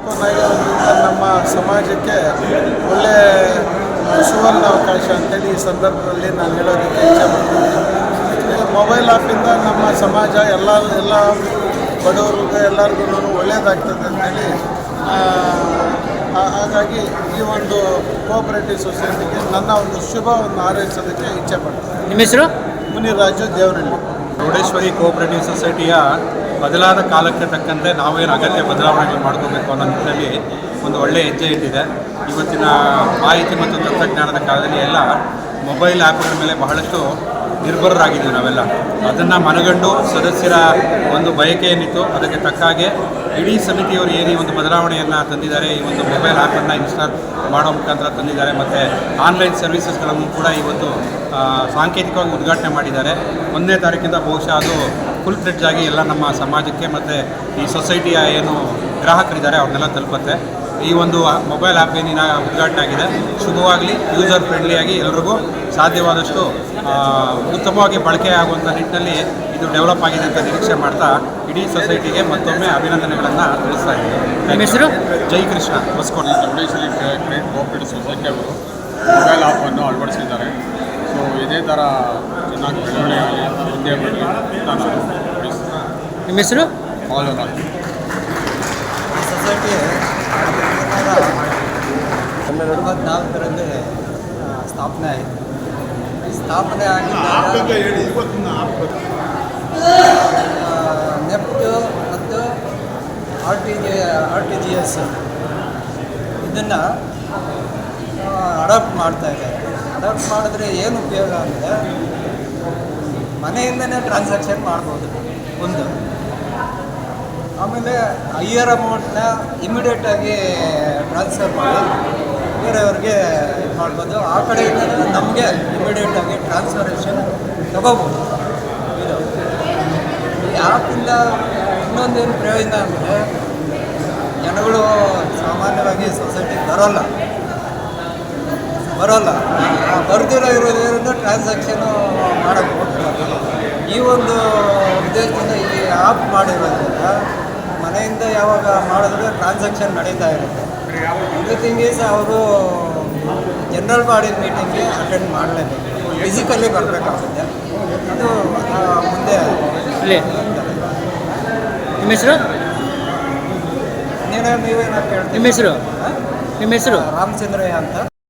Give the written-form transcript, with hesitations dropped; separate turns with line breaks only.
Open ಆಗಿರೋದ್ರಿಂದ ನಮ್ಮ ಸಮಾಜಕ್ಕೆ ಒಳ್ಳೆ ಸುವರ್ಣ ಅವಕಾಶ ಅಂತೇಳಿ ಈ ಸಂದರ್ಭದಲ್ಲಿ ನಾನು ಹೇಳೋದಕ್ಕೆ ಇಚ್ಛೆಪಡ್ತೀನಿ. ಮೊಬೈಲ್ ಆ್ಯಪಿಂದ ನಮ್ಮ ಸಮಾಜ ಎಲ್ಲ ಬಡವರಿಗೂ ಎಲ್ಲರಿಗೂ ಒಳ್ಳೆಯದಾಗ್ತದೆ ಅಂತೇಳಿ ಹಾಗಾಗಿ ಈ ಒಂದು ಕೋಆಪರೇಟಿವ್ ಸೊಸೈಟಿಗೆ ನನ್ನ ಒಂದು ಶುಭವನ್ನು ಹಾರೈಸೋದಕ್ಕೆ ಇಚ್ಛೆಪಡ್ತೀನಿ.
ನಿಮ್ಮ ಹೆಸರು?
ಮುನಿರಾಜು ದೇವರಹಳ್ಳಿ.
ಚೌಡೇಶ್ವರಿ ಕೋಆಪರೇಟಿವ್ ಸೊಸೈಟಿಯ ಬದಲಾದ ಕಾಲಕ್ಕೆ ತಕ್ಕಂತೆ ನಾವೇನು ಅಗತ್ಯ ಬದಲಾವಣೆಗಳು ಮಾಡ್ಕೋಬೇಕು ಅನ್ನೋ ನಿಟ್ಟಿನಲ್ಲಿ ಒಂದು ಒಳ್ಳೆಯ ಹೆಜ್ಜೆ ಇಟ್ಟಿದೆ. ಇವತ್ತಿನ ಮಾಹಿತಿ ಮತ್ತು ತಂತ್ರಜ್ಞಾನದ ಕಾಲದಲ್ಲಿ ಎಲ್ಲ ಮೊಬೈಲ್ ಆ್ಯಪ್ಗಳ ಮೇಲೆ ಬಹಳಷ್ಟು ನಿರ್ಭರರಾಗಿದ್ದೀವಿ ನಾವೆಲ್ಲ. ಅದನ್ನು ಮನಗಂಡು ಸದಸ್ಯರ ಒಂದು ಬಯಕೆ ಏನಿತ್ತು ಅದಕ್ಕೆ ತಕ್ಕ ಹಾಗೆ ಇಡೀ ಸಮಿತಿಯವರು ಏನು ಒಂದು ಬದಲಾವಣೆಯನ್ನು ತಂದಿದ್ದಾರೆ, ಈ ಒಂದು ಮೊಬೈಲ್ ಆ್ಯಪನ್ನು ಇನ್ಸ್ಟಾಲ್ ಮಾಡೋ ಮುಖಾಂತರ ತಂದಿದ್ದಾರೆ. ಮತ್ತು ಆನ್ಲೈನ್ ಸರ್ವಿಸಸ್ಗಳನ್ನು ಕೂಡ ಇವತ್ತು ಸಾಂಕೇತಿಕವಾಗಿ ಉದ್ಘಾಟನೆ ಮಾಡಿದ್ದಾರೆ. 1ನೇ ತಾರೀಕಿಂದ ಬಹುಶಃ ಅದು ಫುಲ್ ಫ್ಲೆಡ್ಜ್ ಆಗಿ ಎಲ್ಲ ನಮ್ಮ ಸಮಾಜಕ್ಕೆ ಮತ್ತು ಈ ಸೊಸೈಟಿಯ ಏನು ಗ್ರಾಹಕರಿದ್ದಾರೆ ಅವ್ರನ್ನೆಲ್ಲ ತಲುಪುತ್ತೆ. ಈ ಒಂದು ಮೊಬೈಲ್ ಆ್ಯಪ್ ಏನಿನ ಉದ್ಘಾಟನೆ ಆಗಿದೆ, ಶುಭವಾಗಲಿ, ಯೂಸರ್ ಫ್ರೆಂಡ್ಲಿಯಾಗಿ ಎಲ್ರಿಗೂ ಸಾಧ್ಯವಾದಷ್ಟು ಉತ್ತಮವಾಗಿ ಬಳಕೆ ಆಗುವಂಥ ನಿಟ್ಟಿನಲ್ಲಿ ಇದು ಡೆವಲಪ್ ಆಗಿದೆ ಅಂತ ನಿರೀಕ್ಷೆ ಮಾಡ್ತಾ ಇಡೀ ಸೊಸೈಟಿಗೆ ಮತ್ತೊಮ್ಮೆ ಅಭಿನಂದನೆಗಳನ್ನು ತಿಳಿಸ್ತಾ ಇದ್ದೀನಿ.
ನಿಮ್ಮ ಹೆಸರು?
Jai Krishna, Hosakote.
Chowdeshwari credit cooperative society ಅವರು ಮೊಬೈಲ್ ಆ್ಯಪನ್ನು ಅಳವಡಿಸಿದ್ದಾರೆ. ಸೊ ಇದೇ ಥರ ಚೆನ್ನಾಗಿ ಬೆಳವಣಿಗೆ ಮುಂದೆ ಬರಲಿ ನಾನು
ನಿಮ್ಮ ಹೆಸರು?
ಫಾಲೋರಾಗಿ
ಸೊಸೈಟಿ 2014ರಲ್ಲಿ ಸ್ಥಾಪನೆ ಆಯಿತು. ಸ್ಥಾಪನೆ ಆಗಿದ್ದಾಗ ನೆಫ್ಟ್ ಮತ್ತು ಆರ್ ಟಿ ಜಿ ಎಸ್ ಇದನ್ನು ಅಡಾಪ್ಟ್ ಮಾಡ್ತಾಯಿದ್ದಾರೆ. ಅಡಾಪ್ಟ್ ಮಾಡಿದ್ರೆ ಏನು ಉಪಯೋಗ ಅಂದರೆ ಮನೆಯಿಂದನೇ ಟ್ರಾನ್ಸಾಕ್ಷನ್ ಮಾಡ್ಬೋದು ಒಂದು. ಆಮೇಲೆ ಹೈಯರ್ ಅಮೌಂಟನ್ನ ಇಮಿಡಿಯೇಟಾಗಿ ಟ್ರಾನ್ಸ್ಫರ್ ಮಾಡಿ ಬೇರೆಯವ್ರಿಗೆ ಇದು ಮಾಡ್ಬೋದು. ಆ ಕಡೆಯಿಂದ ನಮಗೆ ಇಮಿಡಿಯೇಟಾಗಿ ಟ್ರಾನ್ಸ್ಫರೇಷನ್ ತಗೋಬೋದು. ಇದು ಈ ಆ್ಯಪಿಂದ ಇನ್ನೊಂದೇನು ಪ್ರಯೋಜನ ಅಂದರೆ ಜನಗಳು ಸಾಮಾನ್ಯವಾಗಿ ಸೊಸೈಟಿಗೆ ಬರೋಲ್ಲ ಬರ್ದಿರೋ ಇರೋದ್ರಿಂದ ಟ್ರಾನ್ಸಾಕ್ಷನು ಮಾಡೋಕ್ಕೆ ಹೋಗ್ತಾರೆ. ಈ ಒಂದು ಉದ್ದೇಶದಿಂದ ಈ ಆ್ಯಪ್ ಮಾಡಿರೋದ್ರಿಂದ ಮನೆಯಿಂದ ಯಾವಾಗ ಮಾಡಿದ್ರೆ ಟ್ರಾನ್ಸಾಕ್ಷನ್ ನಡೀತಾ ಇರುತ್ತೆ. ಎವ್ರಿಥಿಂಗ್ ಈಸ್ ಅವರು ಜನರಲ್ ಬಾಡಿ ಮೀಟಿಂಗ್ಗೆ ಅಟೆಂಡ್ ಮಾಡಲೇಬೇಕು, ಫಿಸಿಕಲಿ ಬರಬೇಕಾಗುತ್ತೆ. ಅದು ಮುಂದೆ
ನಿಮ್ಮ ಹೆಸರು?
ನೀವೇನೋ ಕೇಳ್ತೀವಿ.
ನಿಮ್ಮ ಹೆಸರು? ನಿಮ್ಮ ಹೆಸರು?
ರಾಮಚಂದ್ರಯ್ಯ ಅಂತ.